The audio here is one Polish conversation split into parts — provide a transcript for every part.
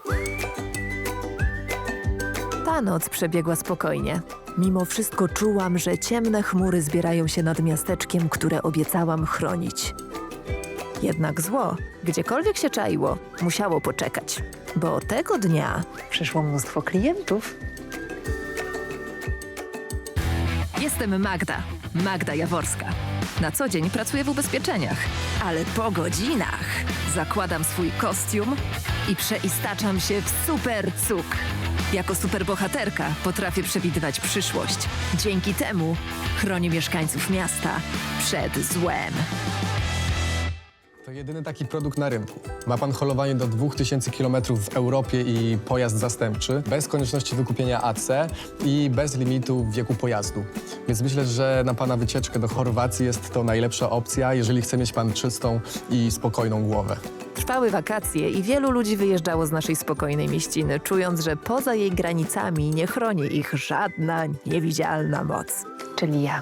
Ta noc przebiegła spokojnie. Mimo wszystko czułam, że ciemne chmury zbierają się nad miasteczkiem, które obiecałam chronić. Jednak zło, gdziekolwiek się czaiło, musiało poczekać, bo tego dnia przyszło mnóstwo klientów. Jestem Magda Jaworska. Na co dzień pracuję w ubezpieczeniach, ale po godzinach zakładam swój kostium i przeistaczam się w super cuk. Jako superbohaterka potrafię przewidywać przyszłość. Dzięki temu chronię mieszkańców miasta przed złem. To jedyny taki produkt na rynku. Ma pan holowanie do 2000 km w Europie i pojazd zastępczy, bez konieczności wykupienia AC i bez limitu wieku pojazdu. Więc myślę, że na pana wycieczkę do Chorwacji jest to najlepsza opcja, jeżeli chce mieć pan czystą i spokojną głowę. Trwały wakacje i wielu ludzi wyjeżdżało z naszej spokojnej mieściny, czując, że poza jej granicami nie chroni ich żadna niewidzialna moc. Czyli ja.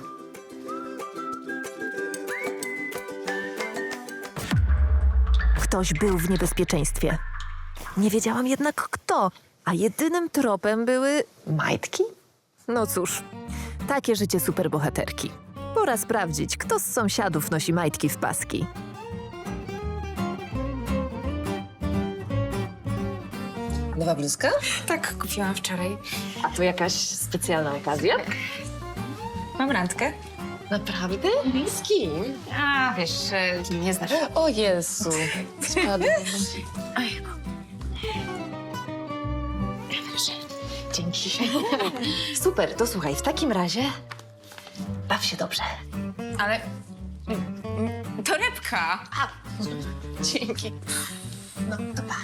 Ktoś był w niebezpieczeństwie. Nie wiedziałam jednak kto, a jedynym tropem były majtki? No cóż, takie życie superbohaterki. Pora sprawdzić, kto z sąsiadów nosi majtki w paski. Nowa bluzka? Tak, kupiłam wczoraj. A to jakaś specjalna okazja? Mam randkę. Naprawdę? Z kim? A, wiesz, nie znasz. O Jezu. Spadłam. Dzięki. Super, to słuchaj, w takim razie baw się dobrze. Ale... Torebka! Dzięki. No, to pa.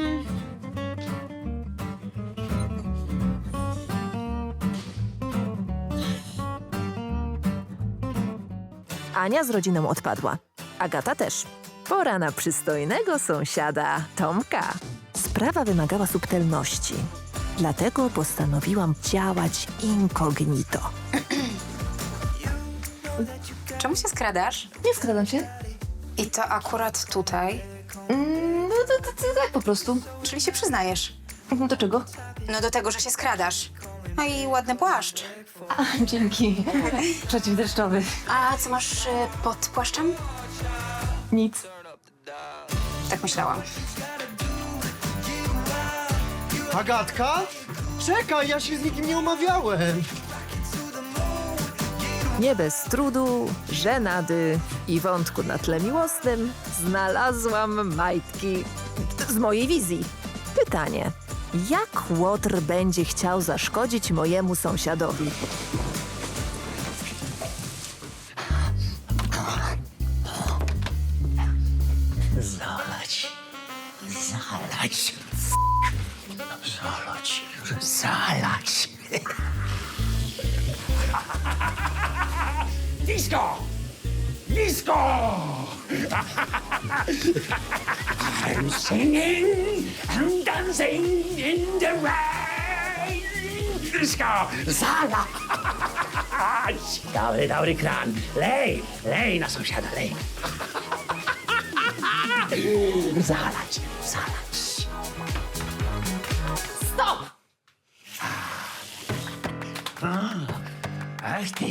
Ania z rodziną odpadła. Agata też. Pora na przystojnego sąsiada Tomka. Sprawa wymagała subtelności. Dlatego postanowiłam działać incognito. Czemu się skradasz? Nie skradam się. I to akurat tutaj. No to tak po prostu. Czyli się przyznajesz. Do czego? No do tego, że się skradasz. No i ładny płaszcz. Dzięki. Przeciwdeszczowy. A co masz pod płaszczem? Nic. Tak myślałam. Agatka? Czekaj, ja się z nikim nie umawiałem. Nie bez trudu, żenady i wątku na tle miłosnym znalazłam majtki z mojej wizji. Pytanie, jak Łotr będzie chciał zaszkodzić mojemu sąsiadowi? Zalać. Disco! I'm singing and dancing in the rain. Disco! Zalać! Dobry kran. Lej na sąsiada, lej. Zalać. Stop! Ach ty.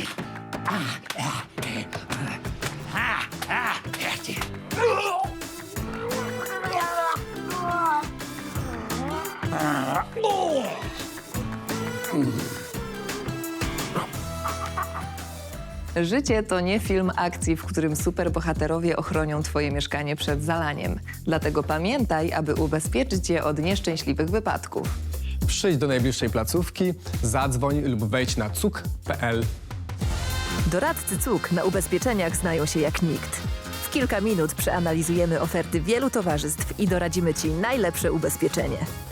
Życie to nie film akcji, w którym superbohaterowie ochronią twoje mieszkanie przed zalaniem. Dlatego pamiętaj, aby ubezpieczyć je od nieszczęśliwych wypadków. Przyjdź do najbliższej placówki, zadzwoń lub wejdź na cuk.pl. Doradcy CUK na ubezpieczeniach znają się jak nikt. W kilka minut przeanalizujemy oferty wielu towarzystw i doradzimy ci najlepsze ubezpieczenie.